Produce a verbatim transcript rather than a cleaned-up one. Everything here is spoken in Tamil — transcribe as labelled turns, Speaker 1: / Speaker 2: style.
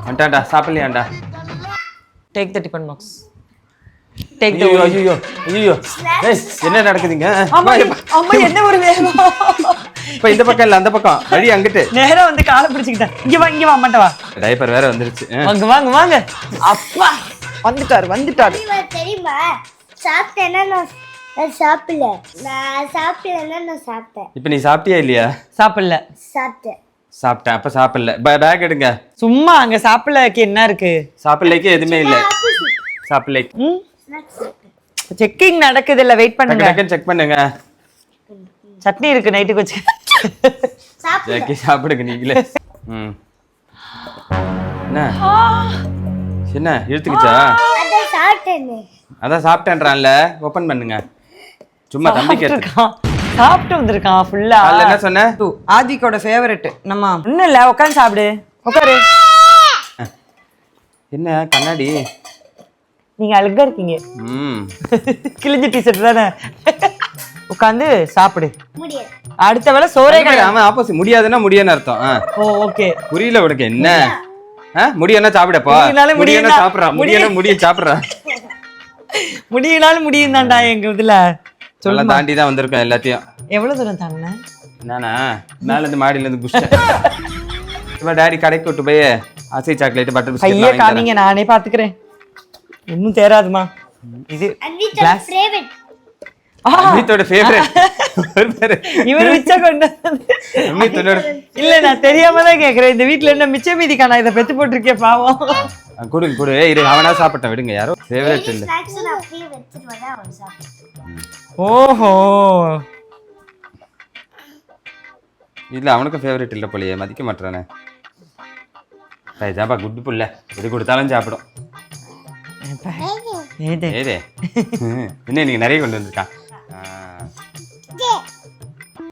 Speaker 1: வந்துட்டான்டா சாப்பிடலையாண்டா.
Speaker 2: Take the tiffin box. Take the.
Speaker 1: ஐயோ ஐயோ ஐயோ ஏய் என்ன நடக்குதுங்க?
Speaker 2: அம்மா அம்மா என்ன ஒரு வேகம்.
Speaker 1: இப்போ இந்த பக்கம் இல்ல அந்த பக்கம் வழி அங்கிட்டு.
Speaker 2: நேரா வந்து காலை பிடிச்சிக்கிட்டேன். இங்க வா இங்க வா அம்மாட்ட வா.
Speaker 1: டைப்பர் வேற வந்துருச்சு.
Speaker 2: வாங்க வாங்க வாங்க. அப்பா வந்துட்டாரு வந்துட்டாரு.
Speaker 3: தெரியுமா சாப்பிட்டேன்னா நான் சாப்பிடல. நான் சாப்பிடலன்னா நான் சாப்பிட்டேன்.
Speaker 1: இப்போ நீ சாப்பிட்டியா இல்லையா?
Speaker 2: சாப்பிடல.
Speaker 3: சாப்பிட்டேன்.
Speaker 1: சாப்பிட்டேன். அப்ப சாப்பிடல. பேக் எடுங்க.
Speaker 2: சும்மா அங்க சாப்பிடலக்கு என்ன இருக்கு?
Speaker 1: சாப்பிடலைக்கு எதுவுமே இல்ல. சாப்பிடலைக்கு.
Speaker 2: ம் செக்கிங் நடக்குது இல்ல வெயிட் பண்ணுங்க.
Speaker 1: டக்கு செக் பண்ணுங்க.
Speaker 2: சட்னி இருக்கு நைட்டுக்கு வச்சு.
Speaker 1: ஜாக்கி சாப்பிடுங்க நீங்களே. ம் என்ன என்ன இழுத்துக்கிச்சா?
Speaker 3: அதான் சாப்பிட்டேனே.
Speaker 1: அதான் சாப்பிட்டேன்றான்ல. ஓபன் பண்ணுங்க. சும்மா தம்பி கேட்க
Speaker 2: சாப்பிட்டு வந்திருக்கான் ஃபுல்லா.
Speaker 1: காலைல என்ன சொன்ன?
Speaker 2: ஆதிக்கோட ஃபேவரட். நம்ம ஒண்ணும் இல்ல உட்காந்து சாப்பிடு. உட்காரு.
Speaker 1: என்ன கண்ணாடி?
Speaker 2: நீங்க அழகா இருக்கீங்க.
Speaker 1: ம்
Speaker 2: கிழிஞ்ச டிஷர்ட் தானே. உட்காந்து சாப்பிடு.
Speaker 3: முடியாது.
Speaker 2: அடுத்த வேளை சோறே
Speaker 1: கிடையாது. அவன் ஆப்போசிட். முடியாதுன்னா முடியாதுன்னு அர்த்தம்.
Speaker 2: Oh okay.
Speaker 1: புரியல உனக்கு என்ன? முடியனா சாப்பிடப்பா. முடியனா சாப்பிடுறா. முடியனா முடிய சாப்பிடுறா.
Speaker 2: முடியினாலும் முடியும் தான்டா எங்க இதுல.
Speaker 1: சொல்ல தாண்டி தான் வந்திருக்கோம் எல்லாத்தையும்.
Speaker 2: எவ்வளவு தூரம் தானே?
Speaker 1: நானா மேல இருந்து மாடியில இருந்து குஷ்டேன். இவ டாடி கடைக்கு கூட்டு போய் அசை சாக்லேட் பட்டர் பிஸ்கட்
Speaker 2: ஐயே காமிங்க நானே பாத்துக்கிறேன். இன்னும் தேராதுமா. இது
Speaker 3: அன்னித்தோட ஃபேவரட்.
Speaker 1: அன்னித்தோட ஃபேவரட்.
Speaker 2: இவர் மிச்ச கொண்டு
Speaker 1: அன்னித்தோட
Speaker 2: இல்ல நான் தெரியாம தான் கேக்குறேன். இந்த வீட்ல என்ன மிச்ச மீதிக்கா நான் இத பெத்து போட்டுருக்கேன் பாவம்.
Speaker 1: குடு குடு இரு அவனா சாப்பிட்டேன் விடுங்க. யாரோ ஃபேவரட் இல்ல.
Speaker 3: ஸ்நாக்ஸ் நான் அப்படியே வெச்சிட்டு வந்தா அவன் சாப்பிடுவான்.
Speaker 2: ஓஹோ
Speaker 1: இல்ல அவனுக்கு ஃபேவரட் இல்ல போலயே. மதிக்க மாட்டறானே. பைஜாபா குட் புள்ள. எது கொடுத்தாலும் சாப்பிடும்.
Speaker 2: ஏதே
Speaker 1: ஏதே என்ன நீங்க நிறைய கொண்டு வந்திருக்கான்.